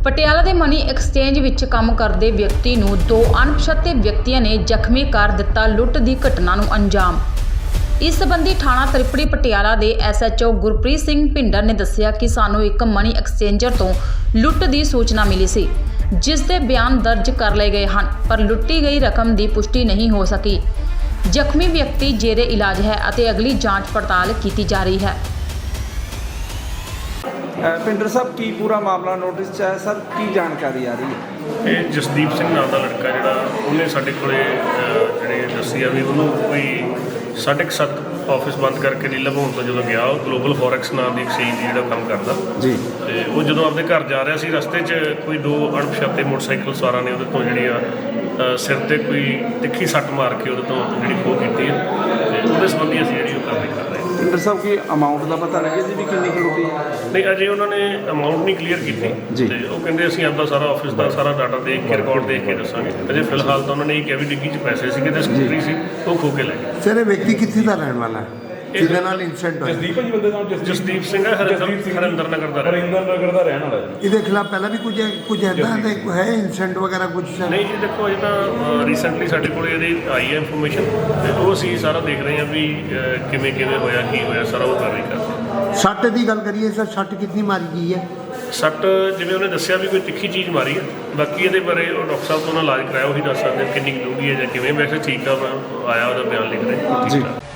ਪਟਿਆਲਾ ਦੇ money exchange ਵਿੱਚ ਕੰਮ ਕਰਦੇ ਵਿਅਕਤੀ ਨੂੰ ਦੋ ਅਣਪਛਾਤੇ ਵਿਅਕਤੀਆਂ ਨੇ ਜ਼ਖਮੀ ਕਰ ਦਿੱਤਾ। ਲੁੱਟ ਦੀ ਘਟਨਾ ਨੂੰ ਅੰਜਾਮ। ਇਸ ਸੰਬੰਧੀ ਥਾਣਾ ਤ੍ਰਿਪੜੀ ਪਟਿਆਲਾ ਦੇ SHO ਗੁਰਪ੍ਰੀਤ ਸਿੰਘ ਭਿੰਡਰ ਨੇ ਦੱਸਿਆ ਕਿ ਸਾਨੂੰ ਇੱਕ ਮਨੀ ਐਕਸਚੇਂਜਰ ਤੋਂ ਲੁੱਟ ਦੀ ਸੂਚਨਾ ਮਿਲੀ ਸੀ, ਜਿਸ ਦੇ ਬਿਆਨ ਦਰਜ ਕਰ ਲਏ ਗਏ ਹਨ, ਪਰ ਲੁੱਟੀ ਗਈ ਰਕਮ ਦੀ ਪੁਸ਼ਟੀ ਨਹੀਂ ਹੋ ਸਕੀ। ਜ਼ਖਮੀ ਵਿਅਕਤੀ ਜੇਰੇ ਇਲਾਜ ਹੈ ਅਤੇ ਅਗਲੀ ਜਾਂਚ ਪੜਤਾਲ ਕੀਤੀ ਜਾ ਰਹੀ ਹੈ। ਪਿੰਡਰ ਸਾਹਿਬ ਕੀ ਪੂਰਾ ਮਾਮਲਾ ਨੋਟਿਸ 'ਚ ਹੈ ਸਰ, ਕੀ ਜਾਣਕਾਰੀ ਆ ਰਹੀ ਹੈ? ਇਹ ਜਸਦੀਪ ਸਿੰਘ ਨਾਮ ਦਾ ਲੜਕਾ ਜਿਹੜਾ ਉਹਨੇ ਸਾਡੇ ਕੋਲੇ ਜਿਹੜੇ ਦੱਸੀ ਆ ਵੀ ਉਹਨੂੰ ਕੋਈ 7:30 ਆਫਿਸ ਬੰਦ ਕਰਕੇ ਨੀਲਾ ਭਵਨ ਤੋਂ ਜਦੋਂ ਗਿਆ, ਉਹ ਗਲੋਬਲ ਫੋਰੈਕਸ ਨਾਮ ਦੀ ਐਕਸਚੇਂਜ ਜਿਹੜਾ ਕੰਮ ਕਰਦਾ ਜੀ, ਤੇ ਉਹ ਜਦੋਂ ਆਪਣੇ ਘਰ ਜਾ ਰਿਹਾ ਸੀ, ਰਸਤੇ 'ਚ ਕੋਈ ਦੋ ਅਣਪਛਾਤੇ ਮੋਟਰਸਾਈਕਲ ਸਵਾਰਾਂ ਨੇ ਉਹਦੇ ਤੋਂ ਜਿਹੜੀ ਆ ਸਿਰ ਤੇ ਕੋਈ ਤਿੱਖੀ ਸੱਟ ਮਾਰ ਕੇ ਉਹਦੇ ਤੋਂ ਜਿਹੜੀ ਖੋਹ ਕੀਤੀ ਹੈ, ਤੇ ਉਹਦੇ ਸੰਬੰਧੀ ਅਸੀਂ ਜਿਹੜੀ ਉਹ ਕਾਰਵਾਈ ਕਰ ਰਹੇ ਹਾਂ। ਪਿੰਡਰ ਸਾਹਿਬ ਕੀ ਅਮਾਊਂਟ ਦਾ ਪਤਾ ਲੱਗਿਆ ਜੀ ਵੀ ਕਿੰਨੀ ਕੁ ਲੁੱਟੀ ਹੈ? ਨਹੀਂ, ਅਜੇ ਉਹਨਾਂ ਨੇ ਅਮਾਊਂਟ ਨਹੀਂ ਕਲੀਅਰ ਕੀਤੀ ਤੇ ਉਹ ਕਹਿੰਦੇ ਅਸੀਂ ਆਪਦਾ ਸਾਰਾ ਆਫਿਸ ਦਾ ਸਾਰਾ ਡਾਟਾ ਦੇਖ ਕੇ ਰਿਕਾਰਡ ਦੇਖ ਕੇ ਦੱਸਾਂਗੇ। ਅਜੇ ਫਿਲਹਾਲ ਤਾਂ ਉਹਨਾਂ ਨੇ ਇਹ ਕਿਹਾ ਵੀ ਡਿੱਗੀ 'ਚ ਪੈਸੇ ਸੀਗੇ ਤੇ ਸਕੂਟਰੀ ਸੀ, ਉਹ ਖੋਹ ਕੇ ਲੈ ਗਏ। ਸਰ, ਇਹ ਵਿਅਕਤੀ ਕਿੱਥੇ ਦਾ ਰਹਿਣ ਵਾਲਾ ਹੈ ਜਿਹਦੇ ਨਾਲ ਇਨਸੀਡੈਂਟ ਹੋਇਆ? ਜਸਦੀਪ ਜੀ ਬੰਦੇ ਦਾ ਨਾਮ ਜਸਦੀਪ ਸਿੰਘ ਹੈ, ਹਰਿੰਦਰ ਨਗਰ ਦਾ ਦਾ ਰਹਿਣ ਵਾਲਾ ਜੀ। ਇਹਦੇ ਖਿਲਾਫ ਪਹਿਲਾਂ ਵੀ ਕੁਝ ਐਦਾਂ ਦੇ ਹੈ ਇਨਸੀਡੈਂਟ ਵਗੈਰਾ ਕੁਝ? ਨਹੀਂ ਜੀ, ਦੇਖੋ ਇਹ ਤਾਂ ਰੀਸੈਂਟਲੀ ਸਾਡੇ ਕੋਲ ਇਹਦੀ ਆਈ ਹੈ ਇਨਫੋਰਮੇਸ਼ਨ, ਤੇ ਉਹ ਅਸੀਂ ਸਾਰਾ ਦੇਖ ਰਹੇ ਹਾਂ ਵੀ ਕਿਵੇਂ ਹੋਇਆ, ਕੀ ਹੋਇਆ, ਸਾਰਾ ਉਹ ਕਾਰਵਾਈ ਕਰ ਰਹੇ ਹਾਂ। ਸੱਟ ਦੀ ਗੱਲ ਕਰੀਏ ਸਰ, ਸੱਟ ਕਿੰਨੀ ਮਾਰੀ ਗਈ ਹੈ? ਸੱਟ ਜਿਵੇਂ ਉਹਨੇ ਦੱਸਿਆ ਵੀ ਕੋਈ ਤਿੱਖੀ ਚੀਜ਼ ਮਾਰੀ ਹੈ, ਬਾਕੀ ਇਹਦੇ ਬਾਰੇ ਉਹ ਡਾਕਟਰ ਸਾਹਿਬ ਤੋਂ ਨਾਲ ਇਲਾਜ ਕਰਾਇਆ, ਉਹੀ ਦੱਸ ਸਕਦੇ ਕਿੰਨੀ ਡੂੰਘੀ ਹੈ ਜਾਂ ਕਿਵੇਂ। ਵੈਸੇ ਠੀਕ ਆ, ਮੈਂ ਆਇਆ ਉਹਦਾ ਬਿਆਨ ਲਿਖ ਰਿਹਾ। ਜੀ।